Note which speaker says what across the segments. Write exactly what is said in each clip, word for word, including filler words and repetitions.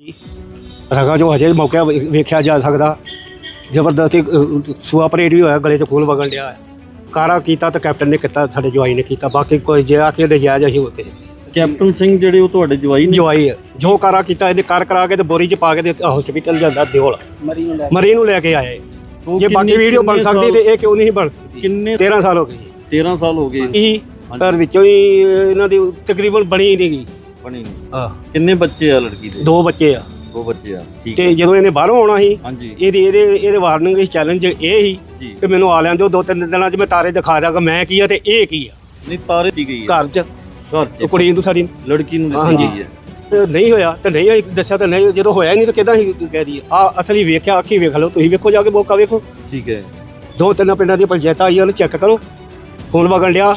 Speaker 1: रगा जो हजे मौके वेख्या जा सकता जबरदस्ती सूआ परेड भी होया गले च खून वगन दिया कारा किया तो कैप्टन ने किया साडे जवाई ने किया बाकी कोई जे आके नजायज असीं होते
Speaker 2: कैप्टन सिंह ਜਿਹੜੇ ਉਹ ਤੁਹਾਡੇ ਜਵਾਈ ਨੇ
Speaker 1: जवाई है जो कारा किया इन्हें कर करा के बोरी च पा के हॉस्पिटल जाता दिओल मरी नूं लैके आए ये बाकी वीडियो बन सकती तो ये क्यों नहीं बन सकती
Speaker 2: किन्ने
Speaker 1: तेरह साल हो गए
Speaker 2: तेरह साल हो गए
Speaker 1: ही पर विचों ही इन्हां दी तकरीबन बनी ही नहीं गई
Speaker 2: बनी नहीं
Speaker 1: हाँ
Speaker 2: किन्ने बच्चे आ लड़की दे
Speaker 1: दो बच्चे आ
Speaker 2: दो बच्चे आ ठीक
Speaker 1: ਤੇ ਜਦੋਂ ਇਹਨੇ ਬਾਹਰੋਂ ਆਉਣਾ ਸੀ
Speaker 2: ਹਾਂਜੀ
Speaker 1: ਇਹਦੀ ਇਹਦੇ ਇਹਦੇ ਵਾਰਨਿੰਗ ਇਸ ਚੈਲੰਜ ਇਹ ਸੀ
Speaker 2: ਜੀ
Speaker 1: ਕਿ ਮੈਨੂੰ ਆ ਲੈਣ ਦਿਓ ਦੋ ਤਿੰਨ ਦਿਨਾਂ 'ਚ ਮੈਂ ਤਾਰੇ ਦਿਖਾ ਦਾਂਗਾ ਮੈਂ ਕੀ ਆ ਤੇ ਇਹ ਕੀ ਆ
Speaker 2: ਨਹੀਂ ਤਾਰੇ ਦੀ ਗਈ ਹੈ
Speaker 1: ਘਰ 'ਚ
Speaker 2: ਘਰ ਚ
Speaker 1: ਉਹ ਕੁੜੀ ਨੂੰ ਸਾਡੀ
Speaker 2: ਲੜਕੀ ਨੂੰ ਦਿੱਤੀ
Speaker 1: ਹਾਂਜੀ।
Speaker 2: ਗਈ ਹੈ
Speaker 1: ਤੇ ਨਹੀਂ ਹੋਇਆ ਤੇ ਨਹੀਂ ਹੋਈ ਦੱਸਿਆ ਤਾਂ ਨਹੀਂ ਜਦੋਂ ਹੋਇਆ ਨਹੀਂ ਤਾਂ ਕਿਦਾਂ ਹੀ ਕਹਿ ਦਈਏ ਆ ਅਸਲੀ ਵੇਖਿਆ ਅੱਖੀ ਵੇਖ ਲਓ ਤੁਸੀਂ ਵੇਖੋ ਜਾ ਕੇ ਮੌਕਾ ਵੇਖੋ
Speaker 2: ਠੀਕ ਹੈ
Speaker 1: ਦੋ ਤਿੰਨ ਪਿੰਡਾਂ ਦੀਆਂ ਪੰਚਾਇਤਾਂ ਆਈਆਂ ਉਹਨੂੰ ਚੈੱਕ ਕਰੋ ਖੂਨ ਵਗਣ ਡਿਆ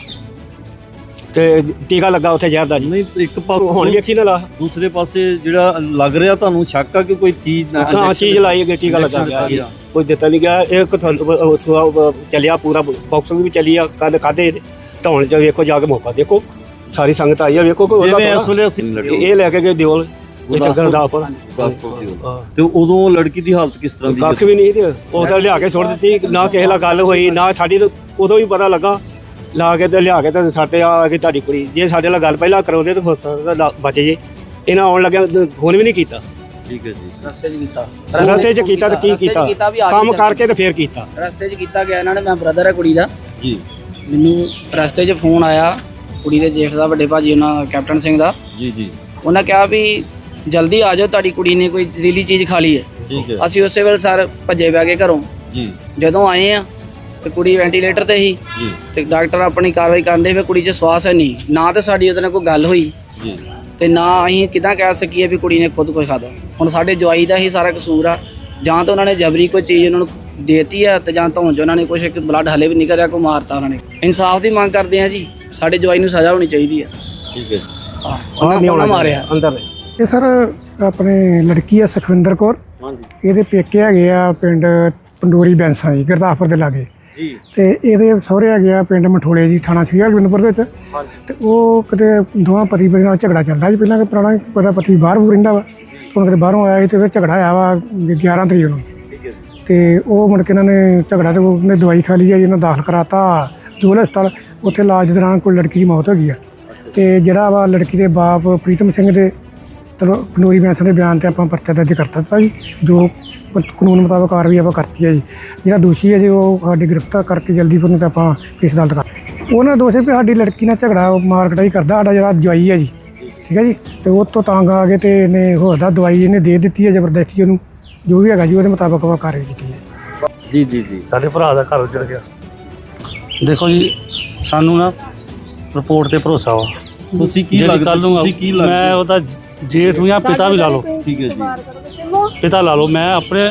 Speaker 1: ਤੇ ਟੀਕਾ ਲੱਗਾ ਉੱਥੇ ਜ਼ਹਿਰ ਦਾ ਜੀ
Speaker 2: ਨਹੀਂ ਇੱਕ
Speaker 1: ਹੁਣ ਵੇਖੀ ਨਾ ਲਾ
Speaker 2: ਦੂਸਰੇ ਪਾਸੇ ਜਿਹੜਾ ਲੱਗ ਰਿਹਾ ਤੁਹਾਨੂੰ ਸ਼ੱਕ ਆ ਕਿ ਕੋਈ ਚੀਜ਼
Speaker 1: ਹਾਂ ਚੀਜ਼ ਲਾਈ ਗਈ ਟੀਕਾ ਲੱਗਾ ਗਿਆ ਜੀ ਕੋਈ ਦਿੱਤਾ ਨਹੀਂ ਗਿਆ ਇਹ ਤੁਹਾਨੂੰ ਚੱਲਿਆ ਪੂਰਾ ਬਾਕਸਿੰਗ ਵੀ ਚੱਲੀ ਆ ਕੱਲ ਕਾਦੇ ਢਾਉਣ ਚ ਵੇਖੋ ਜਾ ਕੇ ਮੌਕਾ ਦੇਖੋ ਸਾਰੀ ਸੰਗਤ ਆਈ ਆ ਵੇਖੋ ਕੋਈ
Speaker 2: ਜਿਵੇਂ ਇਸ ਵੇਲੇ ਅਸੀਂ
Speaker 1: ਇਹ ਲੈ ਕੇ ਗਏ ਦਿਓਲ ਗੁਰਦਾਸਪੁਰ
Speaker 2: ਤੇ ਉਦੋਂ ਲੜਕੀ ਦੀ ਹਾਲਤ ਕਿਸ ਤਰ੍ਹਾਂ ਦੀ
Speaker 1: ਕੱਖ ਵੀ ਨਹੀਂ ਤੇ ਉਹ ਤਾਂ ਲਿਆ ਕੇ ਸੁੱਟ ਦਿੱਤੀ ਨਾ ਕਿਸੇ ਨਾਲ ਗੱਲ ਹੋਈ ਨਾ ਸਾਡੀ ਉਦੋਂ ਵੀ ਪਤਾ ਲੱਗਾ ਲਾ ਕੇ ਤੇ ਲਿਆ ਕੇ ਤੇ ਸਾਡੇ ਆ ਕੇ ਤੁਹਾਡੀ ਕੁੜੀ ਜੇ ਸਾਡੇ ਨਾਲ ਗੱਲ ਪਹਿਲਾਂ ਕਰਾਉਂਦੇ ਤਾਂ ਹੋ ਸਕਦਾ ਬਚ ਜੇ ਇਹਨਾਂ ਆਉਣ ਲੱਗਿਆ ਫੋਨ ਵੀ ਨਹੀਂ ਕੀਤਾ
Speaker 2: ਠੀਕ ਹੈ ਜੀ
Speaker 3: ਰਸਤੇ 'ਚ ਕੀਤਾ
Speaker 1: ਰਸਤੇ 'ਚ ਕੀਤਾ ਤੇ ਕੀ ਕੀਤਾ ਕੰਮ ਕਰਕੇ ਤੇ ਫੇਰ ਕੀਤਾ
Speaker 3: ਰਸਤੇ 'ਚ ਕੀਤਾ ਗਿਆ ਇਹਨਾਂ ਨੇ ਮੈਂ ਬ੍ਰਦਰ ਹੈ ਕੁੜੀ ਦਾ
Speaker 2: ਜੀ
Speaker 3: ਮੈਨੂੰ ਰਸਤੇ 'ਚ ਫੋਨ ਆਇਆ ਕੁੜੀ ਦੇ ਜੇਠ ਦਾ ਵੱਡੇ ਭਾਜੀ ਉਹਨਾਂ ਕੈਪਟਨ ਸਿੰਘ ਦਾ
Speaker 2: ਜੀ ਜੀ
Speaker 3: ਉਹਨਾਂ ਕਿਹਾ ਵੀ ਜਲਦੀ ਆ ਜਾਓ ਤੁਹਾਡੀ ਕੁੜੀ ਨੇ ਕੋਈ ਜ਼ਹਿਰੀਲੀ ਚੀਜ਼ ਖਾ ਲਈ ਹੈ
Speaker 2: ਠੀਕ ਹੈ
Speaker 3: ਅਸੀਂ ਉਸੇ ਵੇਲੇ ਸਰ ਭੱਜੇ ਬੈ ਗਏ ਘਰੋਂ
Speaker 2: ਜੀ
Speaker 3: ਜਦੋਂ ਆਏ ਆ ਤੇ ਕੁੜੀ ਵੈਂਟੀਲੇਟਰ ਤੇ ਸੀ
Speaker 2: ਜੀ
Speaker 3: ਤੇ ਡਾਕਟਰ ਆਪਣੀ ਕਾਰਵਾਈ ਕਰਦੇ ਫਿਰ ਕੁੜੀ 'ਚ ਸਵਾਸ ਹੈ ਨਹੀਂ ਨਾ ਤਾਂ ਸਾਡੀ ਉਹਦੇ ਨਾਲ ਕੋਈ ਗੱਲ ਹੋਈ
Speaker 2: ਜੀ
Speaker 3: ਤੇ ਨਾ ਅਸੀਂ ਕਿਦਾਂ ਕਹਿ ਸਕੀਏ ਵੀ ਕੁੜੀ ਨੇ ਖੁਦ ਕੁਝ ਖਾਦਾ ਹੁਣ ਸਾਡੇ ਜਵਾਈ ਦਾ ਹੀ ਸਾਰਾ ਕਸੂਰ ਆ ਜਾਂ ਤਾਂ ਉਹਨਾਂ ਨੇ ਜਬਰੀ ਕੋਈ ਚੀਜ਼ ਉਹਨਾਂ ਨੂੰ ਦੇਤੀ ਆ ਤੇ ਜਾਂ ਧੌਣ 'ਚ ਉਹਨਾਂ ਨੇ ਕੁਛ ਇੱਕ ਬਲੱਡ ਹਲੇ ਵੀ ਨਿਕਲ ਰਿਹਾ ਕੋਈ ਮਾਰਤਾ ਉਹਨਾਂ ਨੇ ਇਨਸਾਫ ਦੀ ਮੰਗ ਕਰਦੇ ਆ ਜੀ ਸਾਡੇ ਜਵਾਈ ਨੂੰ ਸਜ਼ਾ ਹੋਣੀ ਚਾਹੀਦੀ ਆ
Speaker 2: ਠੀਕ ਹੈ
Speaker 3: ਹਾਂ ਉਹਨਾਂ ਉਹਨਾਂ ਮਾਰਿਆ
Speaker 1: ਅੰਦਰ
Speaker 4: ਇਹ ਸਰ ਆਪਣੇ ਲੜਕੀ ਆ ਸੁਖਵਿੰਦਰ ਕੌਰ
Speaker 2: ਹਾਂਜੀ
Speaker 4: ਇਹਦੇ ਪੇਕੇ ਹੈਗੇ ਆ ਪਿੰਡ ਪੰਡੋਰੀ ਬੈਂਸਾਂ ਜੀ ਗੁਰਦਾਸਪੁਰ ਦੇ ਲਾਗੇ
Speaker 2: ਜੀ
Speaker 4: ਤੇ ਇਹਦੇ ਸਹੁਰੇ ਹੈਗੇ ਆ ਪਿੰਡ ਮਠੋਲੇ ਜੀ ਥਾਣਾ ਸ੍ਰੀ ਹਰਗੋਬਿੰਦਪੁਰ ਦੇ ਵਿੱਚ
Speaker 2: ਹਾਂਜੀ
Speaker 4: ਤੇ ਉਹ ਕਿਤੇ ਦੋਵਾਂ ਪਤੀ ਪਤਨੀ ਨਾਲ ਝਗੜਾ ਚੱਲਦਾ ਜੀ ਪਹਿਲਾਂ ਕਿ ਪੁਰਾਣਾ ਪਤਾ ਪਤੀ ਬਾਹਰ ਬੂਰ ਰਹਿੰਦਾ ਵਾ ਹੁਣ ਕਿਤੇ ਬਾਹਰੋਂ ਆਇਆ ਸੀ ਤੇ ਫਿਰ ਝਗੜਾ ਆਇਆ ਵਾ ਗਿਆਰਾਂ ਤਰੀਕ ਨੂੰ
Speaker 2: ਠੀਕ ਹੈ ਜੀ
Speaker 4: ਤੇ ਉਹ ਮੁੜ ਕੇ ਇਹਨਾਂ ਨੇ ਝਗੜਾ ਤੇ ਉਹਨੇ ਦਵਾਈ ਖਾ ਲਈ ਆ ਜੀ ਇਹਨਾਂ ਦਾਖਲ ਕਰਾਤਾ ਜੋਲ ਹਸਪਤਾਲ ਉੱਥੇ ਇਲਾਜ ਦੌਰਾਨ ਕੋਈ ਲੜਕੀ ਦੀ ਮੌਤ ਹੋ ਗਈ ਆ ਤੇ ਜਿਹੜਾ ਵਾ ਲੜਕੀ ਦੇ ਬਾਪ ਪ੍ਰੀਤਮ ਸਿੰਘ ਦੇ ਚਲੋ ਪੰਡੋਰੀ ਬੈਂਸਾਂ ਦੇ ਬਿਆਨ ਤੇ ਆਪਾਂ ਪਰਚਾ ਦਰਜ ਕਰ ਦਿੱਤਾ ਜੀ ਜੋ ਕਾਨੂੰਨ ਮੁਤਾਬਕ ਕਾਰਵਾਈ ਆਪਾਂ ਕਰਤੀ ਹੈ ਜੀ ਜਿਹੜਾ ਦੋਸ਼ੀ ਹੈ ਜੀ ਉਹ ਸਾਡੀ ਗ੍ਰਿਫਤਾਰ ਕਰਕੇ ਜਲਦੀ ਫਿਰ ਨੂੰ ਤੇ ਆਪਾਂ ਕੇਸ ਅਦਾਲਤ ਕਰ ਉਹਨਾਂ ਦੋਸ਼ੀ ਵੀ ਸਾਡੀ ਲੜਕੀ ਨਾਲ ਝਗੜਾ ਮਾਰਕਟਾਈ ਕਰਦਾ ਸਾਡਾ ਜਿਹੜਾ ਜਵਾਈ ਹੈ ਜੀ ਠੀਕ ਹੈ ਜੀ ਤੇ ਉਹ ਤੋਂ ਤੰਗ ਆ ਕੇ ਤੇ ਇਹਨੇ ਹੋਰ ਦਾ ਦਵਾਈ ਇਹਨੇ ਦੇ ਦਿੱਤੀ ਹੈ ਜ਼ਬਰਦਸਤੀ ਉਹਨੂੰ ਜੋ ਵੀ ਹੈਗਾ ਜੀ ਉਹਦੇ ਮੁਤਾਬਕ ਆਪਾਂ ਕਾਰਵਾਈ ਕੀਤੀ ਹੈ
Speaker 2: ਜੀ ਜੀ ਜੀ
Speaker 5: ਸਾਡੇ ਭਰਾ ਦਾ ਘਰ ਉੱਜੜ ਗਿਆ ਦੇਖੋ ਜੀ ਸਾਨੂੰ ਨਾ ਰਿਪੋਰਟ ਤੇ ਭਰੋਸਾ ਵਾ
Speaker 2: ਤੁਸੀਂ ਕੀ
Speaker 5: ਜਿਹੜੀ
Speaker 2: ਲੱਗਦਾ
Speaker 5: ਕੱਲ ਨੂੰ
Speaker 2: ਤੁਸੀਂ ਕੀ
Speaker 5: ਮੈਂ
Speaker 2: ਲੱਗਦਾ
Speaker 5: ਉਹਦਾ ਜੇਠ ਨੂੰ ਜਾਂ ਪਿਤਾ ਵੀ ਲਾ ਲਓ
Speaker 2: ਠੀਕ ਹੈ ਜੀ
Speaker 5: ਪਿਤਾ ਲਾ ਲਓ ਮੈਂ ਆਪਣੇ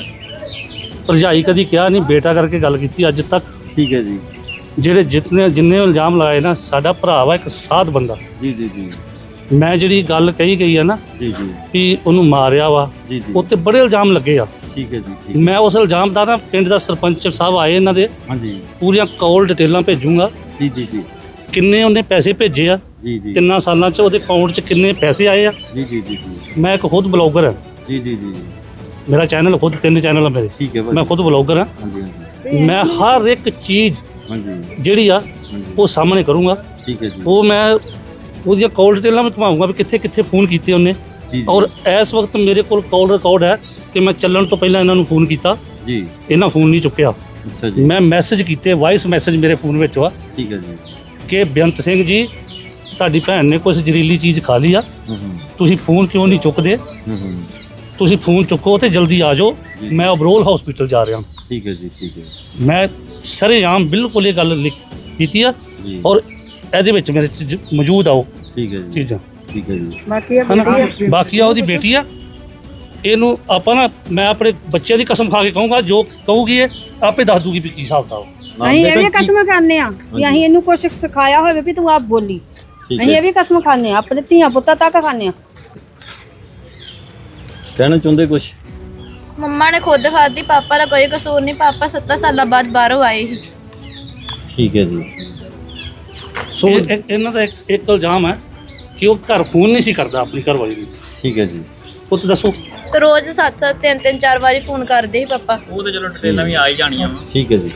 Speaker 5: ਭਰਜਾਈ ਕਦੀ ਕਿਹਾ ਨਹੀਂ ਬੇਟਾ ਕਰਕੇ ਗੱਲ ਕੀਤੀ ਅੱਜ ਤੱਕ
Speaker 2: ਠੀਕ ਹੈ ਜੀ
Speaker 5: ਜਿਹੜੇ ਜਿਤਨੇ ਜਿੰਨੇ ਇਲਜ਼ਾਮ ਲਗਾਏ ਨਾ ਸਾਡਾ ਭਰਾ ਵਾ ਇੱਕ ਸਾਧ ਬੰਦਾ
Speaker 2: ਜੀ ਜੀ ਜੀ
Speaker 5: ਮੈਂ ਜਿਹੜੀ ਗੱਲ ਕਹੀ ਗਈ ਆ ਨਾ
Speaker 2: ਜੀ ਜੀ
Speaker 5: ਵੀ ਉਹਨੂੰ ਮਾਰਿਆ ਵਾ
Speaker 2: ਜੀ ਜੀ
Speaker 5: ਉੱਤੇ ਬੜੇ ਇਲਜ਼ਾਮ ਲੱਗੇ ਆ
Speaker 2: ਠੀਕ ਹੈ ਜੀ ਠੀਕ
Speaker 5: ਮੈਂ ਉਸ ਇਲਜ਼ਾਮ ਦਾ ਨਾ ਪਿੰਡ ਦਾ ਸਰਪੰਚ ਸਾਹਿਬ ਆਏ ਇਹਨਾਂ ਦੇ
Speaker 2: ਹਾਂਜੀ
Speaker 5: ਪੂਰੀਆਂ ਕਾਲ ਡਿਟੇਲਾਂ ਭੇਜੂੰਗਾ
Speaker 2: ਜੀ ਜੀ ਜੀ
Speaker 5: ਕਿੰਨੇ ਉਹਨੇ ਪੈਸੇ ਭੇਜੇ ਆ
Speaker 2: ਜੀ ਜੀ
Speaker 5: ਤਿੰਨਾਂ ਸਾਲਾਂ 'ਚ ਉਹਦੇ ਅਕਾਊਂਟ 'ਚ ਕਿੰਨੇ ਪੈਸੇ ਆਏ ਆ
Speaker 2: ਜੀ ਜੀ ਜੀ ਜੀ
Speaker 5: ਮੈਂ ਇੱਕ ਖੁਦ ਬਲੌਗਰ ਹਾਂ
Speaker 2: ਜੀ ਜੀ ਜੀ
Speaker 5: ਮੇਰਾ ਚੈਨਲ ਖੁਦ ਤਿੰਨ ਚੈਨਲ ਆ ਮੇਰੇ
Speaker 2: ਠੀਕ ਹੈ ਭਾਈ
Speaker 5: ਮੈਂ ਖੁਦ ਬਲੌਗਰ ਹਾਂ
Speaker 2: ਹਾਂਜੀ ਹਾਂਜੀ
Speaker 5: ਮੈਂ ਹਰ ਇੱਕ ਚੀਜ਼
Speaker 2: ਹਾਂਜੀ
Speaker 5: ਜਿਹੜੀ ਆ ਉਹ ਸਾਹਮਣੇ ਕਰੂੰਗਾ
Speaker 2: ਠੀਕ ਹੈ ਜੀ
Speaker 5: ਉਹ ਮੈਂ ਉਹਦੀਆਂ ਕਾਲ ਡਿਟੇਲਾਂ ਵੀ ਘੁਮਾਊਂਗਾ ਵੀ ਕਿੱਥੇ ਕਿੱਥੇ ਫੋਨ ਕੀਤੇ ਉਹਨੇ
Speaker 2: ਜੀ ਜੀ
Speaker 5: ਔਰ ਇਸ ਵਕਤ ਮੇਰੇ ਕੋਲ ਕਾਲ ਰਿਕਾਰਡ ਹੈ ਕਿ ਮੈਂ ਚੱਲਣ ਤੋਂ ਪਹਿਲਾਂ ਇਹਨਾਂ ਨੂੰ ਫੋਨ ਕੀਤਾ
Speaker 2: ਜੀ
Speaker 5: ਇਹਨਾਂ ਫੋਨ ਨਹੀਂ ਚੁੱਕਿਆ
Speaker 2: ਅੱਛਾ ਜੀ
Speaker 5: ਮੈਂ ਮੈਸੇਜ ਕੀਤੇ ਵਾਇਸ ਮੈਸੇਜ ਮੇਰੇ ਫੋਨ ਵਿੱਚ ਆ
Speaker 2: ਠੀਕ ਹੈ ਜੀ
Speaker 5: ਕਿ ਬੇਅੰਤ ਸਿੰਘ ਜੀ ਤੁਹਾਡੀ ਭੈਣ ਨੇ ਕੁਝ ਜ਼ਹਿਰੀਲੀ ਚੀਜ਼ ਖਾ ਲਈ ਆ
Speaker 2: ਹੂੰ ਹੂੰ
Speaker 5: ਤੁਸੀਂ ਫੋਨ ਕਿਉਂ ਨਹੀਂ ਚੁੱਕਦੇ
Speaker 2: ਹੂੰ ਹੂੰ
Speaker 5: ਤੁਸੀਂ ਫੋਨ ਚੁੱਕੋ ਤੇ ਜਲਦੀ ਆ ਜਾਓ ਮੈਂ ਅਬਰੋਲ ਹਸਪੀਟਲ ਜਾ ਰਿਹਾ
Speaker 2: ਠੀਕ ਹੈ ਜੀ ਠੀਕ ਹੈ
Speaker 5: ਮੈਂ ਸਰੇਆਮ ਬਿਲਕੁਲ ਇਹ ਗੱਲ ਲਿਖ ਕੀਤੀ ਆ
Speaker 2: ਜੀ
Speaker 5: ਔਰ ਇਹਦੇ ਵਿੱਚ ਮੇਰੇ ਚ ਜ- ਮੌਜੂਦ ਆ ਉਹ
Speaker 2: ਠੀਕ ਹੈ ਜੀ
Speaker 5: ਚੀਜ਼ਾਂ
Speaker 2: ਠੀਕ ਹੈ ਜੀ
Speaker 5: ਹਨਾ ਬਾਕੀ ਆ ਉਹਦੀ ਬੇਟੀ ਆ ਇਹਨੂੰ ਆਪਾਂ ਨਾ ਮੈਂ ਆਪਣੇ ਬੱਚਿਆਂ ਦੀ ਕਸਮ ਖਾ ਕੇ ਕਹੂੰਗਾ ਜੋ ਕਹੂਗੀ ਇਹ ਆਪੇ ਦੱਸ ਦੂਗੀ ਵੀ ਕੀ ਹਿਸਾਬ ਦਾ
Speaker 6: ਅਸੀਂ ਇਹ ਵੀ ਕਸਮ ਖਾਂਦੇ ਆ ਵੀ ਅਸੀਂ ਇਹਨੂੰ ਕੁਛ ਸਿਖਾਇਆ ਹੋਵੇ ਵੀ ਤੂੰ ਆਪ ਬੋਲੀ ਅਸੀਂ ਇਹ ਵੀ ਕਸਮ ਖਾਂਦੇ ਆ ਆਪਣੇ ਧੀਆਂ ਪੁੱਤਾਂ ਤੱਕ ਖਾਂਦੇ ਆ
Speaker 2: ਕਹਿਣਾ ਚਾਹੁੰਦੇ ਕੁਛ
Speaker 7: ਮੰਮਾ ਨੇ ਖੁਦ ਖਾਧੀ ਪਾਪਾ ਦਾ ਕੋਈ ਕਸੂਰ ਨਹੀਂ ਪਾਪਾ ਸੱਤਾਂ ਸਾਲਾਂ ਬਾਅਦ ਬਾਹਰੋਂ ਆਏ ਸੀ
Speaker 2: ਠੀਕ ਹੈ ਜੀ
Speaker 5: ਸੋ ਇਹਨਾਂ ਦਾ ਇੱਕ ਇੱਕ ਇਲਜ਼ਾਮ ਹੈ ਕਿ ਉਹ ਘਰ ਫੋਨ ਨਹੀਂ ਸੀ ਕਰਦਾ ਆਪਣੀ ਘਰਵਾਲੀ ਨੂੰ
Speaker 2: ਠੀਕ ਹੈ ਜੀ
Speaker 5: ਉਹ ਤਾਂ ਦੱਸੋ
Speaker 7: ਤੇ ਰੋਜ਼ ਸੱਤ ਸੱਤ ਤਿੰਨ ਤਿੰਨ ਚਾਰ ਵਾਰੀ ਫੋਨ ਕਰਦੇ ਸੀ ਪਾਪਾ।
Speaker 8: ਉਹ ਤੇ ਚਲੋ ਡਿਟੇਲਾਂ ਵੀ ਆ ਹੀ ਜਾਣੀਆਂ ਵਾ।
Speaker 2: ਠੀਕ ਹੈ ਜੀ।